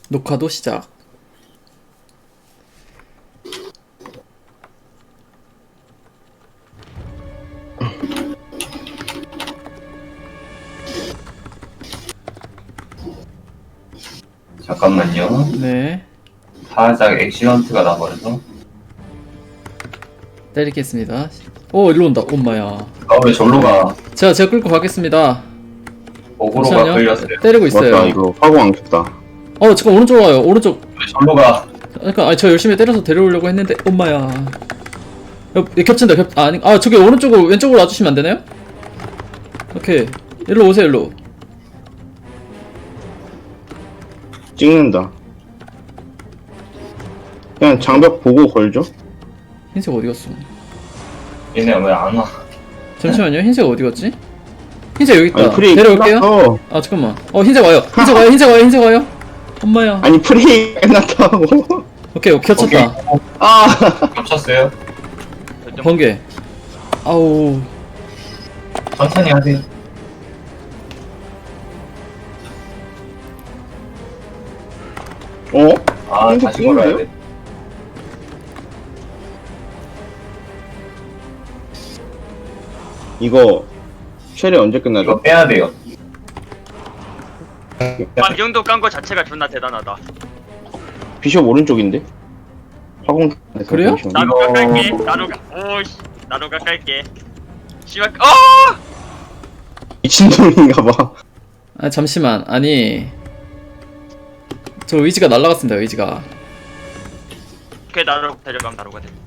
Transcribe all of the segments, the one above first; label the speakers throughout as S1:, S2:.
S1: 녹화도 시작.
S2: 잠깐만요.
S1: 네.
S2: 살짝 액시던트가 나버려서.
S1: 때리겠습니다. 오, 일로 온다. 엄마야.
S2: 왜 절로 가?
S1: 제가 끌고 가겠습니다.
S2: 어그로가
S1: 잠시만요.
S2: 걸렸어요.
S1: 때리고 있어요.
S3: 맞다, 이거 화공 안 켰다.
S1: 잠깐 오른쪽 와요. 오른쪽.
S2: 왜 절로 가?
S1: 그러니까 저 열심히 때려서 데려오려고 했는데 엄마야. 겹친다. 저기 오른쪽으로 왼쪽으로 와주시면 안 되나요? 오케이. 일로 오세요. 일로.
S3: 찍는다. 그냥 장벽 보고 걸죠?
S1: 흰색 어디 갔어?
S2: 얘네 왜 안 와?
S1: 잠시만요. 흰색 어디 갔지? 흰색 여기 있다.
S3: 아니, 프레이
S1: 데려올게요.
S3: 끝났어.
S1: 잠깐만. 흰색 와요. 흰색 와요. 엄마야.
S3: 아니, 프레이 끝났다고.
S1: 오케이, 겹쳤다.
S3: 아,
S2: 겹쳤어요?
S1: 번개. 아우.
S2: 천천히 하세요.
S3: 흰색
S2: 다시 걸어야
S3: 찍는데요?
S2: 돼.
S3: 이거 쉘이 언제
S2: 이거
S3: 끝나죠?
S2: 빼야 돼요.
S4: 이 정도 깐 거 자체가 존나 대단하다.
S3: 비숍 오른쪽인데? 화공 켰네,
S1: 그래요?
S3: 비숍.
S4: 나루가
S2: 이거-
S4: 깔게. 오씨. 나루가 깔게. 씨발.
S3: 미친놈인가봐.
S1: 잠시만. 아니. 저 의지가 날라갔습니다. 의지가.
S4: 그래 나루 데려가면 나루가 돼.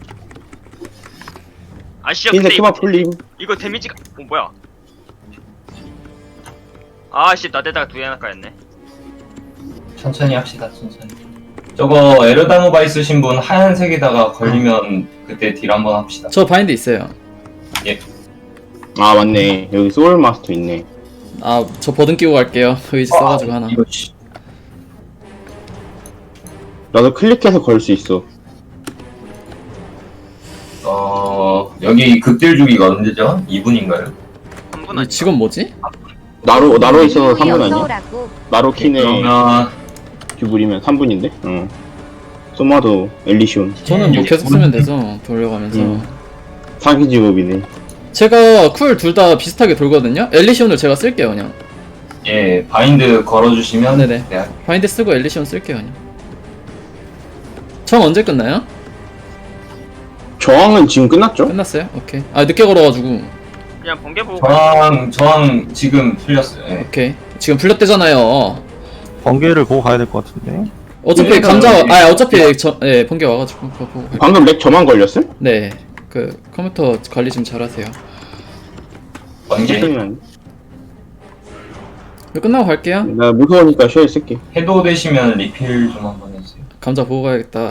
S4: 아씨야
S3: 흰색
S4: 근데
S3: 키만 풀림.
S4: 이거 데미지가 뭐야? 아씨 나대다가 두 개나 까였네.
S2: 천천히 합시다. 천천히. 저거 에르다노바 있으신 분 하얀색에다가 걸리면 그때 딜 한번 합시다.
S1: 저 바인드 있어요.
S3: 아, 맞네. 여기 소울 마스터 있네.
S1: 저 버든 끼고 갈게요. 의지 써가지고 하나.
S2: 이거 씨.
S3: 나도 클릭해서 걸 수 있어.
S2: 여기 극딜 주기가 언제죠? 2분인가요?
S4: 3분
S1: 이
S4: 아니
S1: 직원 뭐지?
S3: 나로 있어서 3분 아니야?
S5: 쏘라고.
S3: 나로 키네
S2: 그러면
S3: 듀블이면 3분인데? 응. 소마도 엘리시온.
S1: 저는 뭐 계속 쓰면 되죠. 돌려가면서.
S3: 사기 직업이네.
S1: 제가 쿨 둘 다 비슷하게 돌거든요. 엘리시온을 제가 쓸게요. 그냥.
S2: 예 바인드 걸어주시면
S1: 네네.
S2: 네,
S1: 바인드 쓰고 엘리시온 쓸게요. 그냥. 정 언제 끝나요?
S3: 저항은 지금 끝났죠?
S1: 끝났어요? 오케이. 늦게 걸어가지고.
S4: 그냥 번개 보고 가.
S2: 저항 지금 풀렸어요. 예.
S1: 오케이. 지금 풀렸대잖아요.
S6: 번개를 보고 가야 될 것 같은데.
S1: 어차피
S2: 네,
S1: 감자,
S2: 네.
S1: 어차피 번개 와가지고 그거 보고 갈게요.
S3: 방금 렉 저만 걸렸어요?
S1: 네. 컴퓨터 관리 좀 잘하세요.
S2: 번개
S3: 그러면
S1: 이거 끝나고 갈게요.
S3: 나 무서우니까 쉘 쓸게.
S2: 해도 되시면 리필 좀 한번 해주세요.
S1: 감자 보고 가야겠다.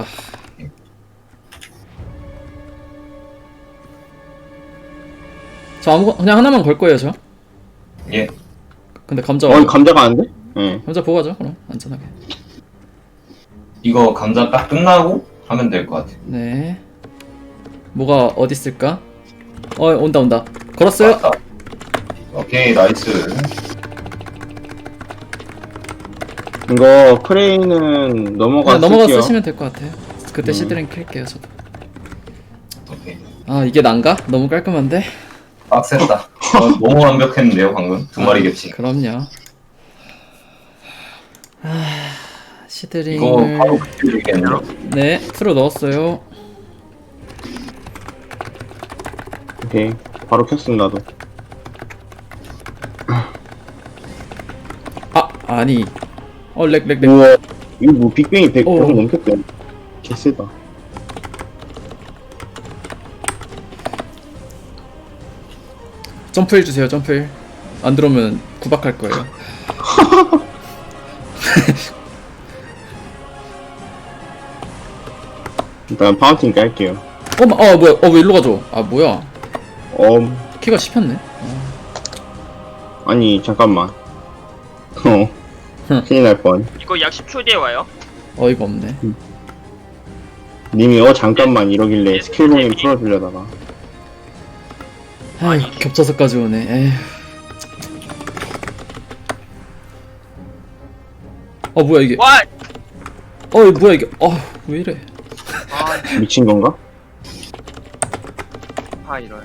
S1: 저 그냥 하나만 걸 거예요, 저.
S2: 예.
S1: 근데 감자
S3: 감자가 안 돼? 응.
S1: 감자 보고 가죠, 그럼. 안전하게.
S2: 이거 감자 딱 끝나고 하면 될 것 같아요.
S1: 네. 뭐가 어디 있을까? 온다. 걸었어요?
S2: 맞다. 오케이 나이스.
S3: 이거 프레이는
S1: 그냥 넘어가
S3: 쓸게요.
S1: 쓰시면 될 것 같아요. 그때 시드링 킬게요, 저도.
S2: 오케이.
S1: 이게 난가? 너무 깔끔한데?
S2: 빡셌다. 너무 완벽했는데요 방금 두 마리 겹치.
S1: 그럼요.
S2: 이거
S1: 시드링을
S2: 바로 그리겠네요.
S1: 네, 풀어 넣었어요.
S3: 오케이. 바로 켰음 나도.
S1: 아니. 렉.
S3: 우와. 이거 뭐 빅뱅이 100
S1: 오.
S3: 넘겼대. 개쎄다.
S1: 점프 해주세요, 점프. 안 들어오면 구박할 거예요.
S3: 일단 파운틴 깔게요.
S1: 뭐야? 왜 일로 가죠? 뭐야? 키가 씹혔네.
S3: 아니 잠깐만. 큰일 날 뻔.
S4: 이거 약 10초 뒤에 와요.
S1: 어이가 없네.
S3: 님이 잠깐만 이러길래 스킬 봉인 풀어주려다가.
S1: 겹쳐서까지 오네. 에휴. 뭐야 이게?
S4: 와
S1: 이거 뭐야 이게? 왜 이래?
S4: 아,
S3: 미친 건가?
S4: 이런.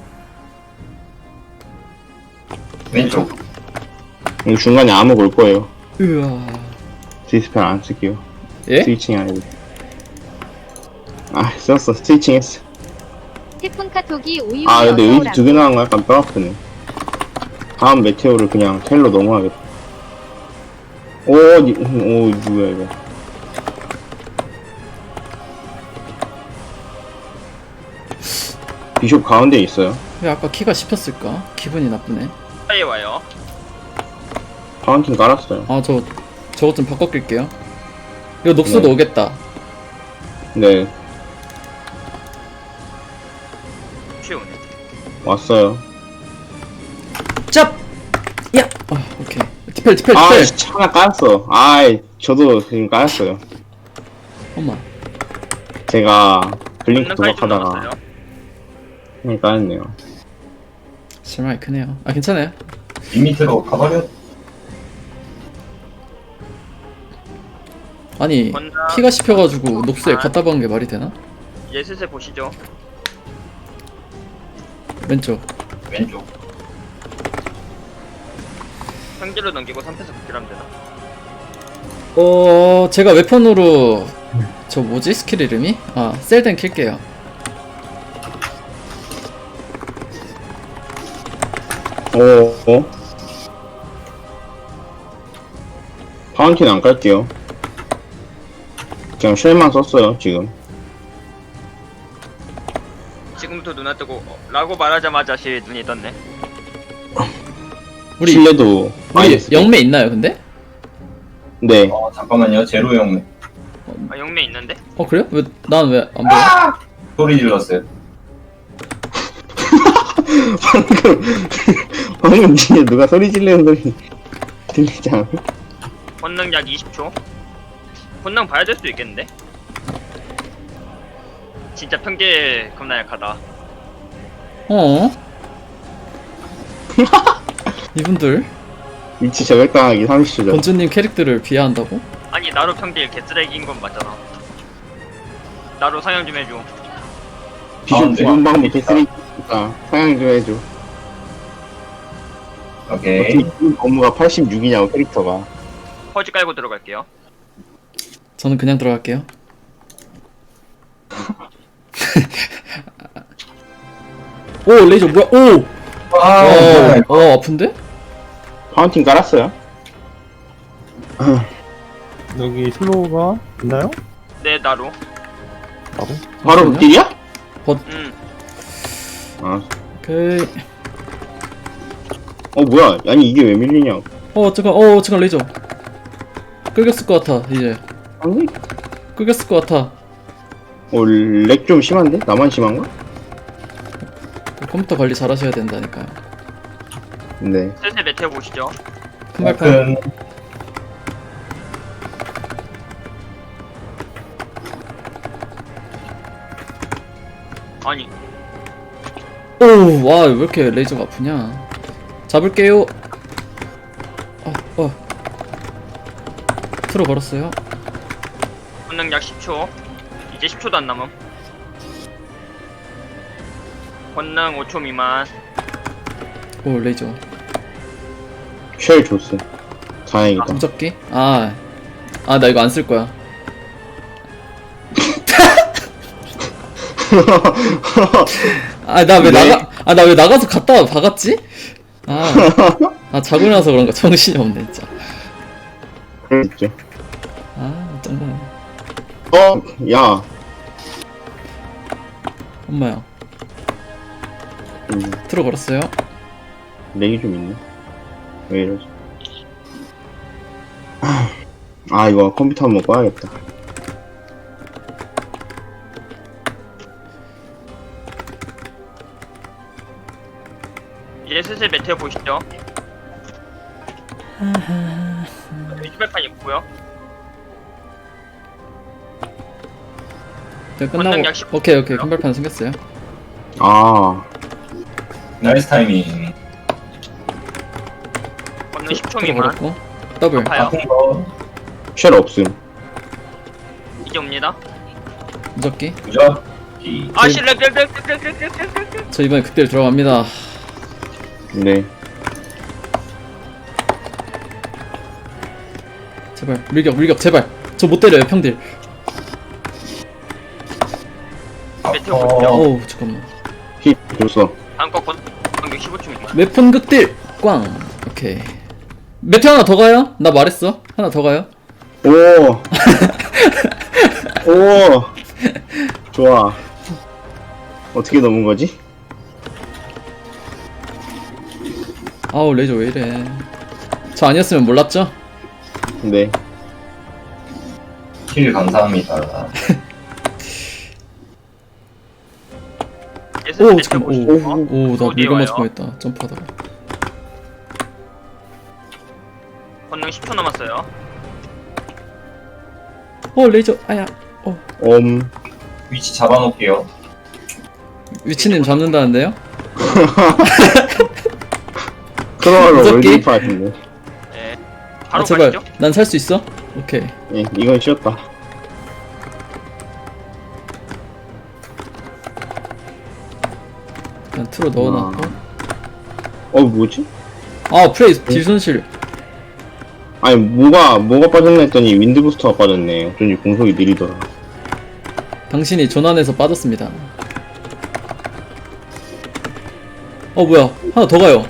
S2: 왼쪽.
S3: 여기 중간에 암흑 올 거예요.
S1: 으아.
S3: 디스펠 안 쓸게요.
S1: 예?
S3: 스위칭 아니고. 아, 썼어. 스위칭 했어.
S5: 태풍 카톡이 우유
S3: 아, 근데 의지
S5: 어서오라고.
S3: 2개 나간 거 약간 뼈 아프네. 다음 메테오를 그냥 텔로 넘어가겠다. 뭐야, 이거. 비숍 가운데 있어요.
S1: 왜 아까 키가 씹혔을까? 기분이 나쁘네.
S4: 빨리 와요.
S3: 파운틴 깔았어요.
S1: 저것 좀 바꿔 끌게요. 이거 녹수도
S3: 네.
S1: 오겠다.
S3: 네,
S4: 쉬우네.
S3: 왔어요.
S1: 짭! 야! 오케이. 디펠.
S3: 아, 씨, 하나 깔았어. 저도 지금 깔았어요.
S1: 엄마.
S3: 제가 블링크
S4: 권능까지 좀
S3: 도박하다가
S4: 남았어요.
S3: 그냥 깔았네요.
S1: 실망이 크네요. 괜찮아요.
S2: 윗밑으로 가버려.
S1: 아니,
S4: 권능.
S1: 키가 씹혀가지고 녹수에 갖다 박은 게 말이 되나?
S4: 예슬슬 보시죠.
S1: 왼쪽.
S2: 왼쪽.
S4: 평지로 넘기고 3패에서 극딜하면 되나?
S1: 제가 웨폰으로 저 뭐지? 스킬 이름이? 셀덴 킬게요.
S3: 파운틴 안 깔게요. 그냥 쉘만 썼어요, 지금.
S4: 지금부터 눈에 뜨고 라고 말하자마자 눈이 떴네.
S1: 우리
S3: 실내도 마이너스.
S1: 영매 있나요, 근데?
S3: 네.
S2: 잠깐만요. 제로 형
S4: 영매 있는데?
S1: 그래요? 난 왜 안 보여?
S2: 소리 질렀어요.
S3: 방금 진짜 누가 소리 지르는 소리 들리지 않아?
S4: 권능 약 20초. 권능 봐야 될 수도 있겠는데? 진짜 평지 겁나 약하다.
S1: 이분들
S3: 위치 저격당하기 30초 전.
S1: 건주님 캐릭터를 비하한다고?
S4: 아니 나로 평지 개쓰레기인 건 맞잖아. 나로 상영 좀 해줘.
S3: 비숍
S2: 네.
S3: 죽은 방법 개쓰니까 상향 좀 해줘.
S2: 오케이.
S3: 어떻게 죽은 업무가 86이냐고 캐릭터가.
S4: 퍼지 깔고 들어갈게요.
S1: 저는 그냥 들어갈게요. 오 레이저 뭐야? 아픈데?
S3: 파운틴 깔았어요?
S6: 여기 슬로우가 있나요?
S4: 네 나로.
S6: 바로?
S3: 바로
S1: 잠시만요.
S3: 극딜이야? 아,
S1: 오케이.
S3: 뭐야? 아니 이게 왜 밀리냐?
S1: 잠깐 레이저. 끄겼을 것 같아 이제.
S3: 아니?
S1: 끄겼을 것 같아.
S3: 렉 좀 심한데? 나만 심한가?
S1: 컴퓨터 관리 잘하셔야 된다니까요.
S3: 네.
S4: 슬슬 메테오 보시죠.
S1: 큰 발판.
S4: 아니
S1: 와 왜 이렇게 레이저가 아프냐? 잡을게요. 틀어 걸었어요.
S4: 권능 약 10초. 이제 10초도 안 남음. 권능 5초 미만.
S1: 오 레이저.
S3: 쉘 줬어. 다행이다.
S1: 무적기? 나 이거 안 쓸 거야. 나 왜
S3: 네.
S1: 나 왜 나가서 갔다 박았지? 자고 나서 그런가 정신이 없네 진짜.
S3: 그랬죠.
S1: 짱나네.
S3: 야.
S1: 엄마야. 틀어 걸었어요.
S3: 렉이 좀 있네. 왜 이러지? 이거 컴퓨터 한번 꺼야겠다.
S4: 이제 슬슬 메테오 보시죠. 유지발판 있고요.
S1: 끝나고.
S4: 권능 약 10.
S1: 오케이 큰 발판 생겼어요.
S2: 나이스 타이밍.
S4: 권능 10초
S1: 틀어
S4: 미만.
S1: 걸었고. 더블.
S4: 아파요.
S2: 아픈 거.
S3: 쉘 없음.
S4: 이제 옵니다.
S1: 무적기.
S2: 무적기.
S4: 아씨 렉.
S1: 저 이번에 극딜 들어갑니다.
S3: 네.
S1: 제발 밀격 제발. 저 못 때려요 평딜.
S4: 메테오 볼게요.
S1: 어우 잠깐만.
S3: 힙 줬어.
S4: 다음 거 공격 15초입니다.
S1: 웹폰 극딜 꽝. 오케이. 메테 하나 더 가요? 나 말했어. 하나 더 가요.
S3: 오. 오. 좋아. 어떻게 넘은 거지?
S1: 아우 레이저 왜 이래. 저 아니었으면 몰랐죠?
S3: 네.
S2: 힐 감사합니다.
S4: 예술
S1: 오
S4: 메테오
S1: 잠깐만.
S4: 보시고
S1: 오나
S4: 어디에
S1: 밀고
S4: 와요?
S1: 맞을 뻔했다. 점프하다가.
S4: 권능 10초 남았어요.
S1: 레이저 아야.
S2: 위치 잡아놓을게요.
S1: 위치님 잡는다는데요?
S3: 크로아로
S1: 무섭게?
S3: 월드리프 같은데.
S4: 네.
S1: 아
S4: 바로
S1: 제발.
S4: 가시죠.
S1: 난 살 수 있어? 오케이.
S3: 예, 이건 쉬었다.
S1: 그냥 틀어 넣어놨고.
S3: 뭐지?
S1: 아 프레이 딜 손실.
S3: 아니, 뭐가 빠졌나 했더니 윈드 부스터가 빠졌네. 어쩐지 공속이 느리더라.
S1: 당신이 전환해서 빠졌습니다. 뭐야 하나 더 가요.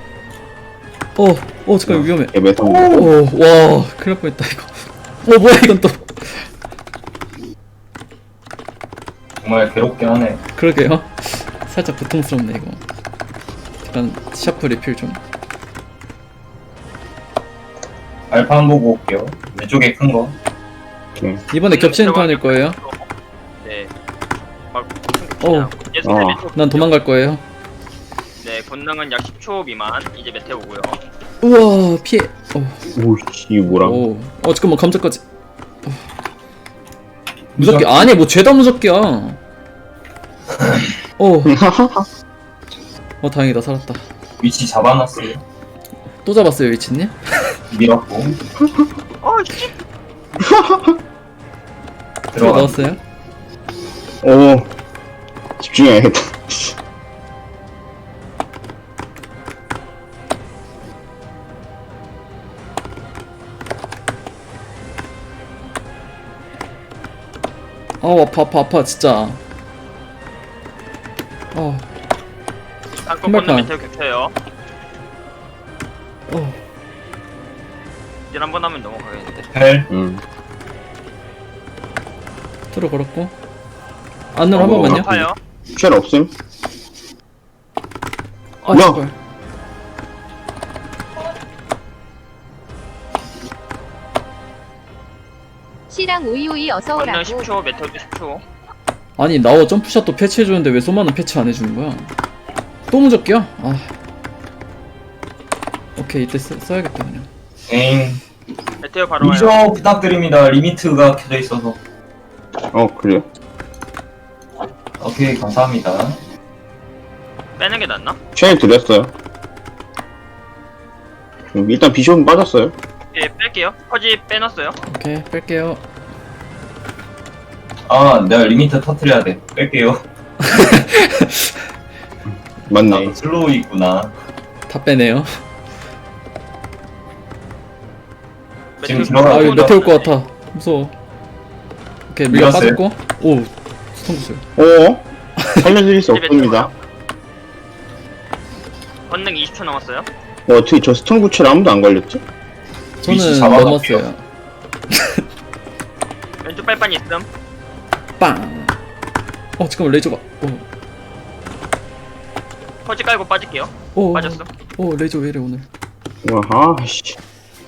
S1: 잠깐 위험해.
S3: 예, 매성.
S1: 와 큰일 날 뻔했다 이거. 뭐야 이건 또.
S2: 정말 괴롭게 하네.
S1: 그러게요. 살짝 고통스럽네 이거. 약간 샤프 리필 좀.
S2: 알파 한 보고 올게요. 왼쪽에 큰 거.
S1: 이번에 겹치는 턴일 거예요.
S4: 네. 막
S1: 어.
S4: 예술
S3: 어.
S4: 메테오.
S1: 난 도망갈 거예요.
S4: 네, 권능은 약 10초 미만. 이제 메테오고요.
S1: 우와 피해.
S3: 오씨, 이게 뭐라.
S1: 잠깐만 감자까지. 무섭게 아니 뭐 죄다 무섭게야. 다행이다 살았다.
S2: 위치 잡아놨어요.
S1: 또 잡았어요 위치님?
S2: 밀었고.
S4: 씨.
S1: 들어
S2: 들어가.
S1: 넣었어요?
S3: 집중해야겠다.
S1: 아파 진짜.
S4: 다음 거
S1: 신발판.
S4: 권능 메테오 겹쳐요.
S1: 어.
S4: 일 한번 하면 넘어가겠는데.
S2: 헬.
S1: 틀어 걸었고. 안으로 한 번만요.
S4: 아파요.
S3: 쉘 없음? 야!
S1: 제발.
S5: 시랑 오이오이 어서
S4: 권능
S5: 오라고.
S4: 10초, 메테오도 10초.
S1: 아니 나워 점프샷도 패치해주는데 왜 소마는 패치 안 해주는 거야? 또 무적기야? 오케이 이때 써야겠다 그냥.
S2: 에잉.
S4: 메테오 바로 와요.
S2: 위저 부탁드립니다. 리미트가 켜져 있어서.
S3: 그래요?
S2: 오케이, 감사합니다.
S4: 빼는 게 낫나?
S3: 쉘 드렸어요. 일단 비숍은 빠졌어요.
S4: 예, 뺄게요. 퍼지 빼놨어요.
S1: 오케이 뺄게요.
S2: 내가 리미트 터트려야 돼. 뺄게요.
S3: 맞네.
S2: 슬로우 있구나.
S1: 다 빼네요.
S2: 지금
S4: 메테오
S2: 들어가-
S1: 이거 메테 올것 같아. 무서워. 오케이 밀가
S2: 밀었어요.
S1: 빠졌고. 스톤 구슬.
S3: 살려드릴 수 없습니다.
S4: 권능 20초 남았어요.
S3: 어떻게 저 스톤 구체를 아무도 안 걸렸지?
S2: 위치
S1: 저는
S2: 잡아놓을게요.
S1: 넘었어요.
S4: 왼쪽 빨판 있음.
S1: 빵. 잠깐만 레이저가.
S4: 퍼지 깔고 빠질게요. 빠졌어.
S1: 레이저 왜 이래 오늘.
S3: 씨.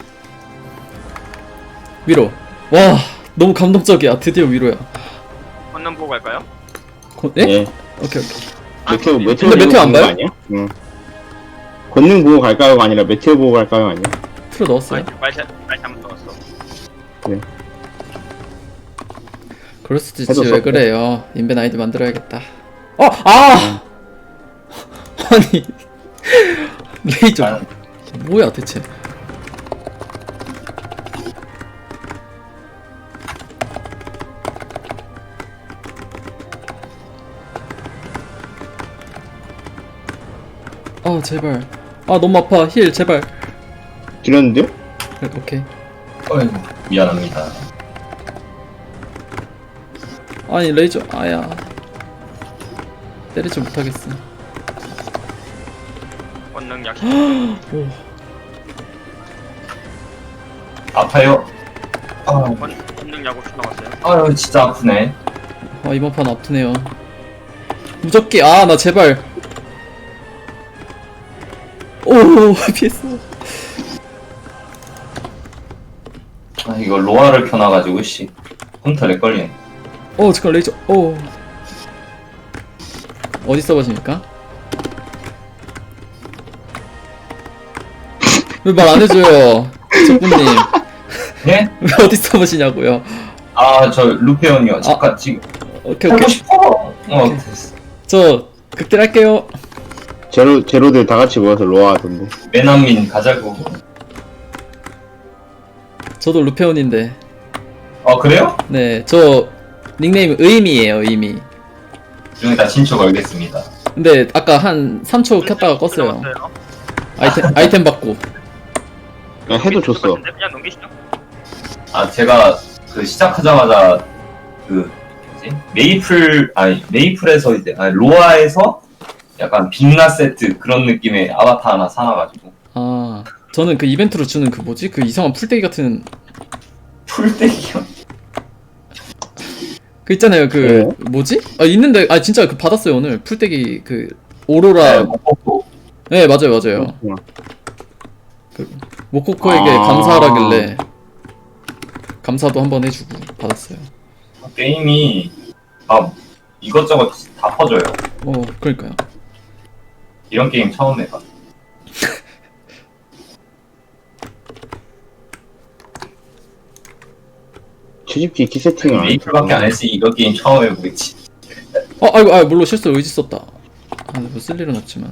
S1: 위로. 와 너무 감동적이야. 드디어 위로야.
S4: 권능 보고 갈까요?
S1: 예?
S3: 예.
S1: 오케이.
S3: 메테오
S1: 근데 메테오 안
S3: 보고
S1: 봐요?
S3: 아니야? 응. 권능 보고 갈까요가 아니라 메테오 보고 갈까요 아니야?
S1: 틀어 넣었어요.
S4: 말 잘못 들었어.
S1: 그럴 수도 있지.
S3: 해도
S1: 왜
S3: 썼고.
S1: 그래요? 인벤 아이디 만들어야겠다. 아니 레이저
S2: 아,
S1: 뭐야 대체? 아 제발. 아 너무 아파. 힐 제발.
S3: 드렸는데요?
S1: 그래, 오케이.
S2: 어이, 미안합니다.
S1: 아니 레이저 아야. 때리지 못하겠어.
S4: 권능 약식.
S1: 오.
S2: 아파요. 아,
S4: 권능 약 5초 남았어요.
S2: 아유 진짜 아프네.
S1: 아 이번 판 아프네요. 무적기 아 나 제발. 오 피했어.
S2: 아 이거 로아를 켜놔가지고 씨 컴퓨터 렉 걸리네.
S1: 오 잠깐 레이저. 오. 어디 써보십니까? 왜 말 안 해줘요, 적군님.
S2: 예?
S1: 왜 어디 써보시냐고요?
S2: 아 저 루페온이요. 잠깐 지금
S1: 오케이
S2: 하고
S1: 오케이.
S2: 싶어. 됐어.
S1: 저 극딜 할게요.
S3: 제로들 다 같이 모여서 로아 하던데.
S2: 매난민 가자고.
S1: 저도 루페온인데.
S2: 그래요?
S1: 네, 저 닉네임 의미예요, 의미.
S2: 좀 이따 친추 걸겠습니다.
S1: 근데 아까 한 3초 켰다가 껐어요. 아이템 받고.
S3: 그냥 해도 줬어.
S4: 그냥 넘기시죠.
S2: 아 제가 그 시작하자마자 그 뭐지? 메이플에서 이제 로아에서 약간 빛나 세트 그런 느낌의 아바타 하나 사놔가지고
S1: 아, 저는 그 이벤트로 주는 그 뭐지? 그 이상한 풀떼기 같은
S2: 풀떼기요.
S1: 그 있잖아요. 그 뭐지? 아 있는데 아 진짜 그 받았어요 오늘 풀떼기 그 오로라. 네 맞아요 맞아요. 그 모코코에게 감사하라길래 감사도 한번 해주고 받았어요.
S2: 게임이 이것저것 다 퍼져요.
S1: 그러니까요.
S2: 이런 게임 처음 해봐.
S3: 채집기 키 세팅을 안
S2: 메이플밖에 안 했으니 이거 게임 처음 해보겠지.
S1: 아이고 물론 실수 의지 썼다. 뭐 쓸 일은 없지만.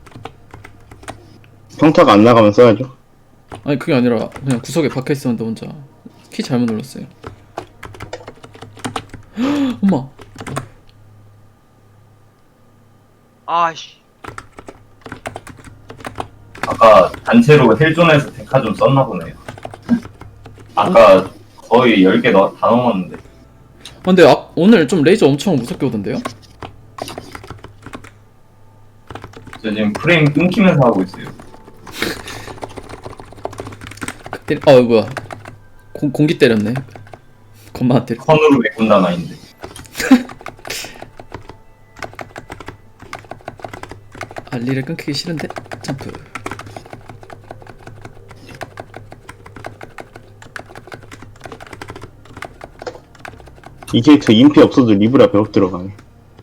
S3: 평타가 안 나가면 써야죠.
S1: 아니 그게 아니라 그냥 구석에 박혀 있었는데 혼자 키 잘못 눌렀어요. 엄마.
S4: 아씨.
S2: 아까 단체로 헬존에서 데카 좀 썼나 보네요. 아까 거의 10개 다 넘었는데.
S1: 근데 오늘 좀 레이저 엄청 무섭게 오던데요?
S2: 저 지금 프레임 끊기면서 하고 있어요.
S1: 뭐야 공기 때렸네. 겁나 때려.
S2: 선으로 메꾼다 마인드.
S1: 알리를 끊기기 싫은데 점프.
S3: 이 캐릭터 인피 없어도 리브라 100억 들어가네.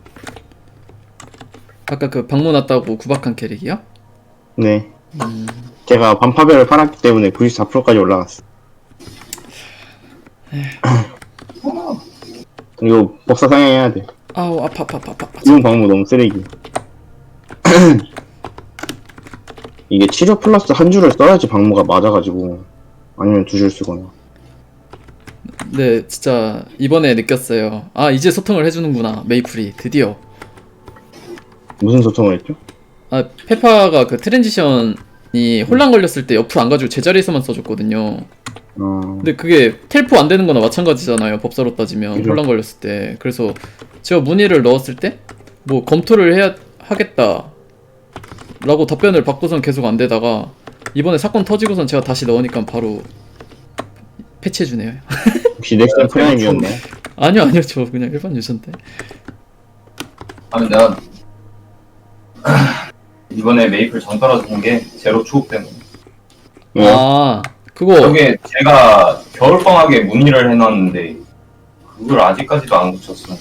S1: 아까 그 방문 왔다고 구박한 캐릭이요?
S3: 네. 제가 반파별을 팔았기 때문에 94%까지 올라갔어. 이거 복사 상향해야 돼.
S1: 아우 아파.
S3: 이용 방법 너무 쓰레기. 이게 치료 플러스 한 줄을 써야지 방모가 맞아가지고 아니면 두 줄 쓰거나.
S1: 네 진짜 이번에 느꼈어요. 이제 소통을 해주는구나 메이플이 드디어.
S3: 무슨 소통을 했죠?
S1: 페파가 그 트랜지션이 혼란 걸렸을 때 옆으로 안 가지고 제자리에서만 써줬거든요. 근데 그게 텔포 안 되는 거나 마찬가지잖아요. 법사로 따지면
S3: 그죠.
S1: 혼란 걸렸을 때. 그래서 제가 문의를 넣었을 때 뭐 검토를 하겠다 라고 답변을 받고선 계속 안 되다가 이번에 사건 터지고선 제가 다시 넣으니까 바로 패치해주네요.
S3: 혹시 넥슨 프라임이었나요?
S1: 아니요 저 그냥 일반 유저인데.
S2: 내가 이번에 메이플 정 떨어진 게 제로 추억 때문에.
S3: 왜요?
S1: 그거
S2: 저게 제가 겨울방학에 문의를 해놨는데 그걸 아직까지도 안 고쳤어.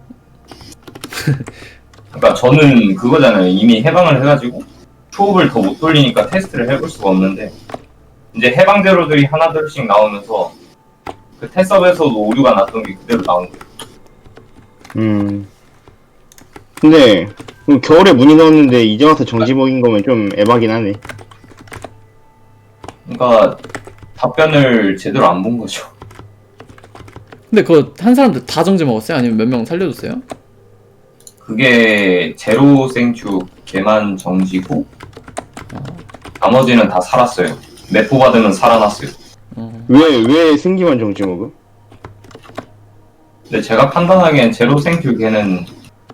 S2: 그러니까 저는 그거잖아요. 이미 해방을 해가지고 초업을 더 못 돌리니까 테스트를 해볼 수가 없는데 이제 해방 제로들이 하나둘씩 나오면서 그 테스업에서도 오류가 났던 게 그대로 나온 거예요.
S3: 근데 겨울에 문의 넣었는데 이제 와서 정지 먹인 거면 좀 에바긴 하네.
S2: 그러니까 답변을 제대로 안 본 거죠.
S1: 근데 그거 한 사람들 다 정지 먹었어요? 아니면 몇 명 살려줬어요?
S2: 그게 제로 생축 걔만 정지고 나머지는 다 살았어요. 내포 받으면 살아났어요.
S3: 왜 승기만 정지 먹음?
S2: 근데 제가 판단하기엔 제로 생큐 걔는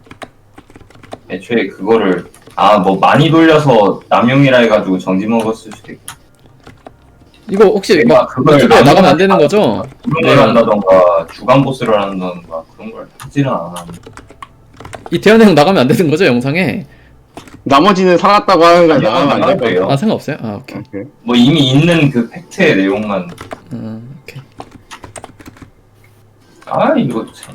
S2: 애초에 그거를 뭐 많이 돌려서 남용이라 해가지고 정지 먹었을 수도 있고.
S1: 이거 혹시
S2: 내가
S1: 막
S2: 그걸
S1: 유튜브에 나가면 안
S2: 남용을
S1: 되는 거죠?
S2: 그런 걸 한다던가 주간 보스를 한다던가 그런 걸 하지는 않아.
S1: 이 대현이 형 나가면 안 되는 거죠, 영상에?
S3: 나머지는 살았다고 하는 거야.
S2: 아니요,
S3: 나가면 안
S2: 나가도
S3: 될까요?
S2: 돼요.
S1: 아, 상관없어요? 아, 오케이.
S3: 오케이.
S2: 뭐 이미 있는 그 팩트의 내용만.
S1: 오케이.
S2: 이거 참.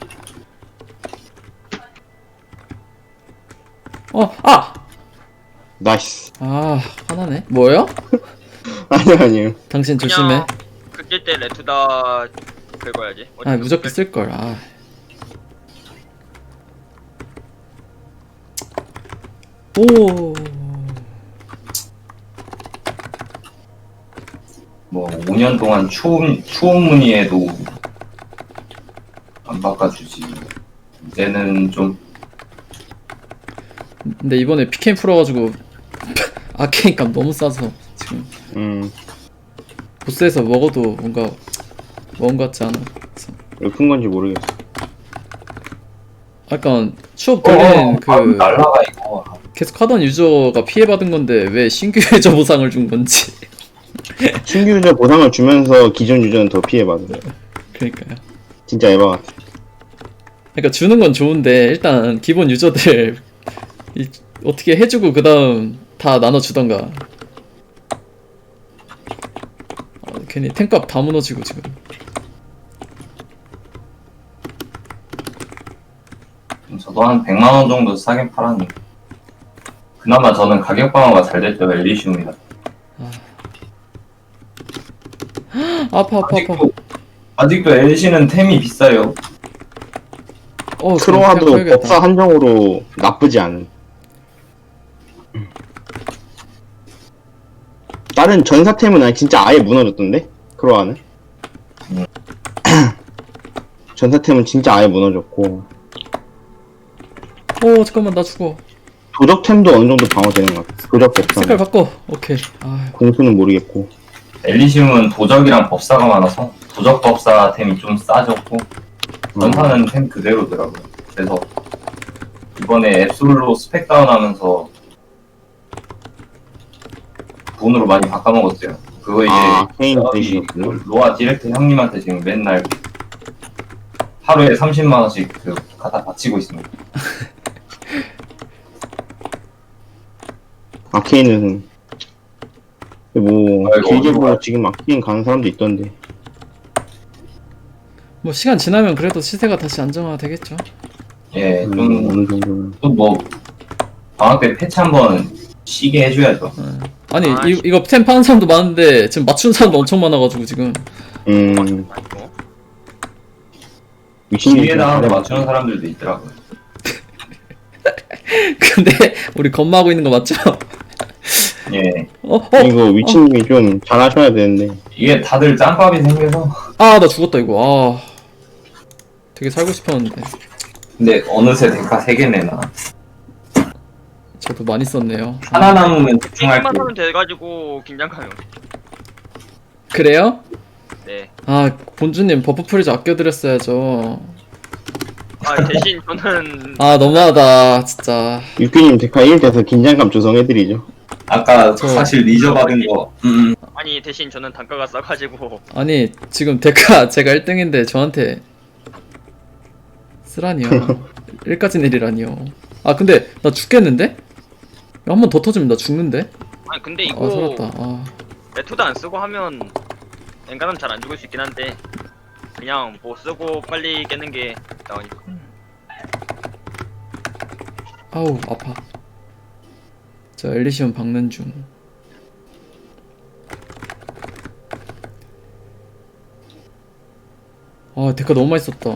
S3: 나이스.
S1: 화나네. 뭐예요?
S3: 아니요.
S1: 당신 조심해.
S4: 그냥 그낄 때 레투다 긁어야지.
S1: 무조건 쓸걸. 오.
S2: 뭐 5년 동안 추억 문의에도 안 바꿔주지. 이제는 좀
S1: 근데 이번에 PKM 풀어가지고 아케인 값 너무 싸서 지금 보스에서 먹어도 뭔가 먹은 것 같지 않아.
S3: 왜 큰 건지 모르겠어.
S1: 약간 추억 돌리는
S2: 날라가 이거.
S1: 계속 하던 유저가 피해받은 건데 왜 신규 유저 보상을 준 건지.
S3: 신규 유저 보상을 주면서 기존 유저는 더 피해받아요.
S1: 그러니까요.
S3: 진짜 에바 같아.
S1: 그러니까 주는 건 좋은데 일단 기본 유저들 어떻게 해주고 그 다음 다 나눠주던가. 괜히 탱값 다 무너지고 지금.
S2: 저도 한 100만원 정도 싸게 팔았는데 그나마 저는 가격 방어가 잘 됐죠. 엘리시움이다.
S1: 아파.
S2: 아직도 엘시는 템이 비싸요.
S3: 크로아도 법사 한정으로 나쁘지 않은. 다른 전사템은 아니 진짜 아예 무너졌던데? 크로아는? 전사템은 진짜 아예 무너졌고
S1: 잠깐만 나 죽어.
S3: 도적템도 어느 정도 방어되는 것 같아. 도적
S1: 색깔
S3: 법사.
S1: 바꿔. 오케이.
S3: 공수는 모르겠고.
S2: 엘리시움은 도적이랑 법사가 많아서 도적 법사 템이 좀 싸졌고 전사는 템 그대로더라고요. 그래서 이번에 앱솔로 스펙 다운하면서 돈으로 많이 바꿔먹었어요. 그거 이제
S3: 케인
S2: 저기
S3: 대시였구나.
S2: 로아 디렉트 형님한테 지금 맨날 하루에 30만원씩 갖다 바치고 있습니다.
S3: 아케인은 뭐
S2: 아이고,
S3: 길게
S2: 어디로
S3: 보고
S2: 가요?
S3: 지금 아케인 가는 사람도 있던데.
S1: 뭐 시간 지나면 그래도 시세가 다시 안정화 되겠죠.
S2: 예, 좀
S3: 어느 정도는.
S2: 또 뭐 방학 때 패치 한번 쉬게 해줘야죠.
S1: 아니
S4: 아,
S1: 이거 템 파는 사람도 많은데 지금 맞추는 사람도 엄청 많아가지고 지금.
S3: 미친놈이
S2: 기회다 하고 맞추는 사람들도 있더라고요.
S1: 근데 우리 겁마하고 있는 거 맞죠?
S2: 예,
S3: 이거 위치님이 좀 잘하셔야 되는데.
S2: 이게 다들 짬밥이 생겨서.
S1: 나 죽었다 이거. 되게 살고 싶었는데.
S2: 근데 어느새 데카 3개 내나.
S1: 저도 많이 썼네요.
S2: 하나 남으면 집중할
S4: 게임만
S2: 때.
S4: 하면 돼가지고 긴장감이 없어.
S1: 그래요?
S4: 네.
S1: 본주님 버프 프리즈 아껴드렸어야죠.
S4: 대신 저는
S1: 너무하다 진짜.
S3: 육규님 데카 1 돼서 긴장감 조성해드리죠.
S2: 아까
S1: 저-
S2: 사실 리저 받은 거.
S4: 아니 대신 저는 단가가 싸가지고
S1: 아니 지금 데카 제가 1등인데 저한테 쓰라니요. 1까지 내리라니요. 근데 나 죽겠는데? 한 번 더 터지면 나 죽는데?
S4: 아니 근데 이거
S1: 살았다.
S4: 레투도 안 쓰고 하면 엔간하면 잘 안 죽을 수 있긴 한데 그냥 뭐 쓰고 빨리 깨는 게 나으니까.
S1: 아우 아파. 저 엘리시온 박는 중. 데카 너무 많이 썼다.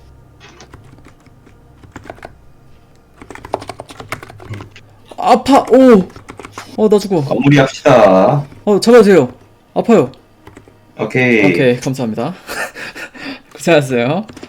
S1: 아파. 나 죽어.
S2: 마무리 합시다.
S1: 잡아주세요. 아파요.
S2: 오케이.
S1: 오케이 감사합니다. 고생하셨어요.